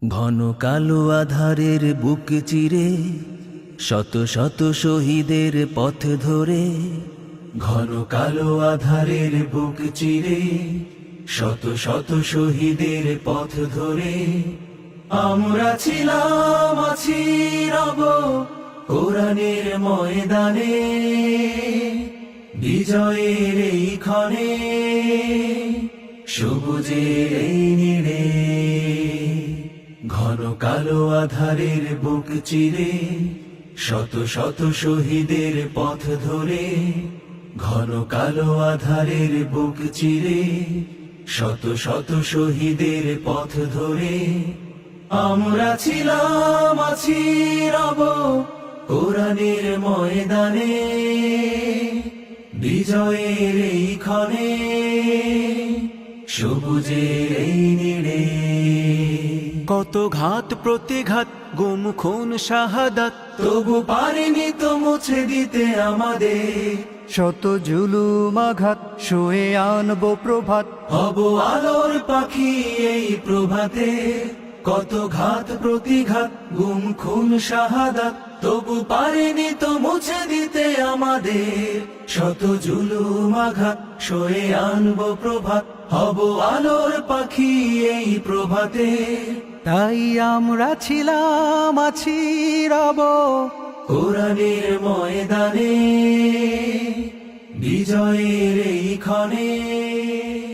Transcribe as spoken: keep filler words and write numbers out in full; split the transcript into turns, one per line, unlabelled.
ঘন কালো আধারের বুক চিরে শত শত শহীদের পথ ধরে, ঘন কালো আধারের বুক চিরে শত শত শহীদের পথ ধরে আমরা ছিলাম আছি রব কোরআনের ময়দানে, বিজয়ের এই ক্ষণে সবুজের এই নীড়ে। ঘন কালো আধারের বুক চিরে শত শত শহীদের পথ ধরে, ঘন কালো আধারের বুক চিরে শত শত শহীদের পথ ধরে আমরা ছিলাম আছি রব কোরআনের ময়দানে, বিজয়ের এই ক্ষণে সবুজের এই নীড়ে।
কত ঘাত প্রতিঘাত গুম খুন শাহাদাত,
তবু পারিনি তো মুছে দিতে আমাদের
শত জুলুম আঘাত, শুয়ে আনবো প্রভাত,
হব আলোর পাখি এই প্রভাতে। কত ঘাত প্রতিঘাত গুম খুন শাহাদাত, তবু পারিনি তো মুছে দিতে আমাদের শত জুলুম আঘাত, শুয়ে আনবো প্রভাত, হব আলোর পাখি এই প্রভাতে।
তাই আমরা ছিলাম আছি রব
কোরআনের ময়দানে, বিজয়ের এই ক্ষণে